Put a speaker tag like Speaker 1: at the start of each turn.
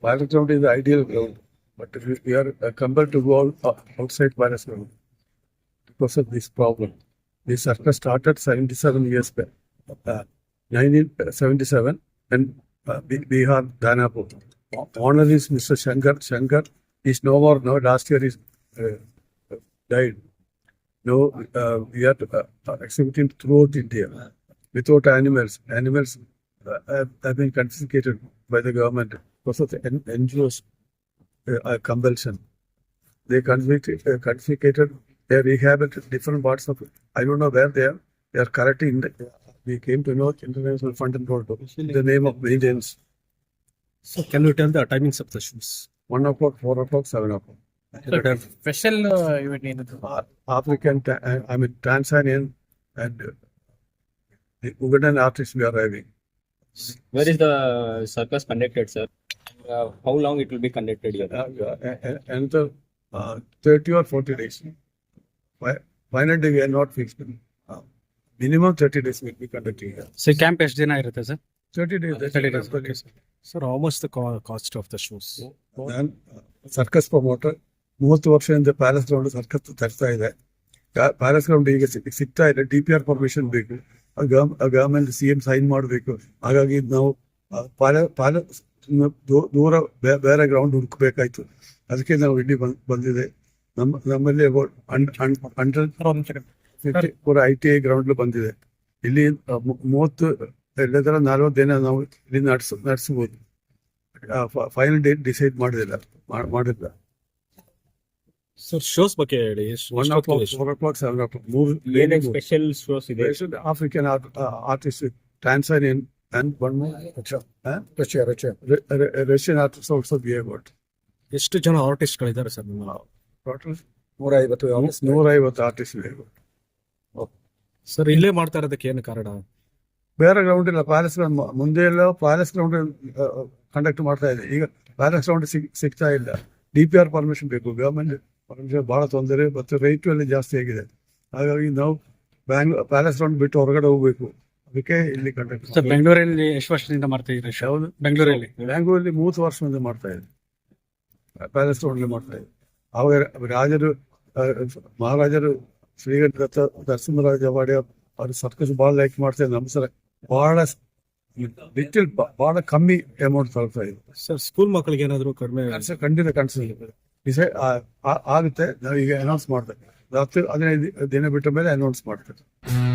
Speaker 1: Palace ground is the ideal ground, but we are compelled to go outside Palace ground because of this problem. The circus started 77 years back, 1977, and Bihar, Danapur. Owner is Mr. Shankar. Shankar is no more. No, last year is died. No, we are exhibiting throughout India without animals. Animals have been confiscated by the government because of the NGOs compulsion. They confiscated. They rehabilitated different parts of it. I don't know where they are. They are correcting. We came to know International Fund and Road in the name of maintenance.
Speaker 2: So can you tell the timings of the shows?
Speaker 1: 1 o'clock, 4 o'clock, 7 o'clock.
Speaker 3: Special ಇವತ್ತು ಏನಿದೆ?
Speaker 1: African, Tanzanian and the Ugandan artists we are having.
Speaker 4: Where is the circus conducted, sir? How long it will be conducted here?
Speaker 1: Another 30 or 40 days. Final day we are not fixed. Minimum 30 days will be conducting here.
Speaker 2: So camp ಎಷ್ಟು ದಿನ ಇರುತ್ತೆ sir?
Speaker 1: 30 days.
Speaker 2: 30 days. Okay, sir. Sir, how much the cost of the shows?
Speaker 1: ನಾನು circus promoter 30 ವರ್ಷದಿಂದ palace ground circus ತರ್ತಾ ಇದೆ. Palace ground ಈಗ ಸಿಗ್ತಾ ಇದೆ. DPR ಪರ್ಮಿಷನ್ ಬೇಕು, ಗವರ್ಮೆಂಟ್ CM ಸೈನ್ ಮಾಡಬೇಕು. ಹಾಗಾಗಿ ನಾವು ದೂರ ಬೇರೆ ಗ್ರೌಂಡ್ ಹುಡುಕಬೇಕಾಯ್ತು. ಅದಕ್ಕೆ ನಾವು ಇಲ್ಲಿ ಬಂದಿದೆ. ನಮ್ಮಲ್ಲಿ ಅಬೌಟ್ 150 ಪೂರ ITI ಗ್ರೌಂಡ್ ಬಂದಿದೆ. ಇಲ್ಲಿ 30 ಎಲ್ಲದರ 40 ದಿನ ನಾವು ಇಲ್ಲಿ ನಡೆಸಬಹುದು. ಫೈನಲ್ ಡೇಟ್ ಡಿಸೈಡ್ ಮಾಡಿಲ್ಲ.
Speaker 2: ಸರ್ ಶೋಸ್ ಬಗ್ಗೆ ಹೇಳಿ.
Speaker 1: 1 o'clock, 4 o'clock, 7 o'clock.
Speaker 4: ಏನೇನು ಸ್ಪೆಷಲ್ ಶೋಸ್ ಇದೆ?
Speaker 1: African artist, Tanzanian, and one more Russian artist also we have got.
Speaker 2: ಎಷ್ಟು ಜನ ಆರ್ಟಿಸ್ಟ್ಗಳಿದ್ದಾರೆ ಸರ್ ನಿಮ್ಮ?
Speaker 1: Total
Speaker 3: 150
Speaker 1: 150 artists we have got.
Speaker 2: Sir ಇಲ್ಲೇ ಮಾಡ್ತಾ ಇರೋದಕ್ಕೆ ಏನು ಕಾರಣ?
Speaker 1: ಬೇರೆ ಗ್ರೌಂಡ್ ಇಲ್ಲ. ಪ್ಯಾಲೇಸ್ ಗ್ರೌಂಡ್ ಮುಂದೆ ಎಲ್ಲ ಪ್ಯಾಲೇಸ್ ಗ್ರೌಂಡ್ ಕಂಡಕ್ಟ್ ಮಾಡ್ತಾ ಇದೆ. ಈಗ ಪ್ಯಾಲೇಸ್ ಗ್ರೌಂಡ್ ಸಿಗ್ತಾ ಇಲ್ಲ. DPR ಪರ್ಮಿಷನ್ ಬೇಕು. ಗವರ್ಮೆಂಟ್ ಪರ್ಮಿಷನ್ ಬಹಳ ತೊಂದರೆ ಮತ್ತು ರೇಟು ಎಲ್ಲ ಜಾಸ್ತಿ ಆಗಿದೆ. ಹಾಗಾಗಿ ನಾವು ಪ್ಯಾಲೇಸ್ ಗ್ರೌಂಡ್ ಬಿಟ್ಟು ಹೊರಗಡೆ ಹೋಗ್ಬೇಕು. ಅದಕ್ಕೆ ಇಲ್ಲಿ ಕಂಡಕ್ಟ್.
Speaker 2: ಸರ್ ಬೆಂಗಳೂರಲ್ಲಿ ಎಷ್ಟು ವರ್ಷದಿಂದ ಮಾಡ್ತಾ ಇದ್ದೀರಿ?
Speaker 1: ಯಾವುದು?
Speaker 2: ಬೆಂಗಳೂರಲ್ಲಿ
Speaker 1: 30 ವರ್ಷದಿಂದ ಮಾಡ್ತಾ ಇದೆ. ಪ್ಯಾಲೇಸ್ ಗ್ರೌಂಡ್ ಮಾಡ್ತಾ ಇದೆ. ಅವಾಗ ಮಹಾರಾಜರು ಶ್ರೀಗಂಧ ನರಸಿಂಹರಾಜ ಒಡೆಯರ್ ಅವ್ರ ಸರ್ಕಸ್ ಭಾಳ ಲೈಕ್ ಮಾಡ್ತಾ ಇದ್ದಾರೆ. ನಮ್ಮ ಸಲ ಬಹಳ ಕಮ್ಮಿ ಅಮೌಂಟ್ ತಗೊಳ್ತಾ ಇದೆ.
Speaker 2: ಸರ್ ಸ್ಕೂಲ್ ಮಕ್ಕಳಿಗೆ ಏನಾದ್ರು ಕಡಿಮೆ?
Speaker 1: ಖಂಡಿತ ಕಾಣಿಸ್ತಿದೆ. ಡಿಸೈಡ್ ಆಗುತ್ತೆ. ನಾವು ಈಗ ಅನೌನ್ಸ್ ಮಾಡ್ತೇವೆ. 10-15 ದಿನ ಬಿಟ್ಟ ಮೇಲೆ ಅನೌನ್ಸ್ ಮಾಡ್ತೇವೆ.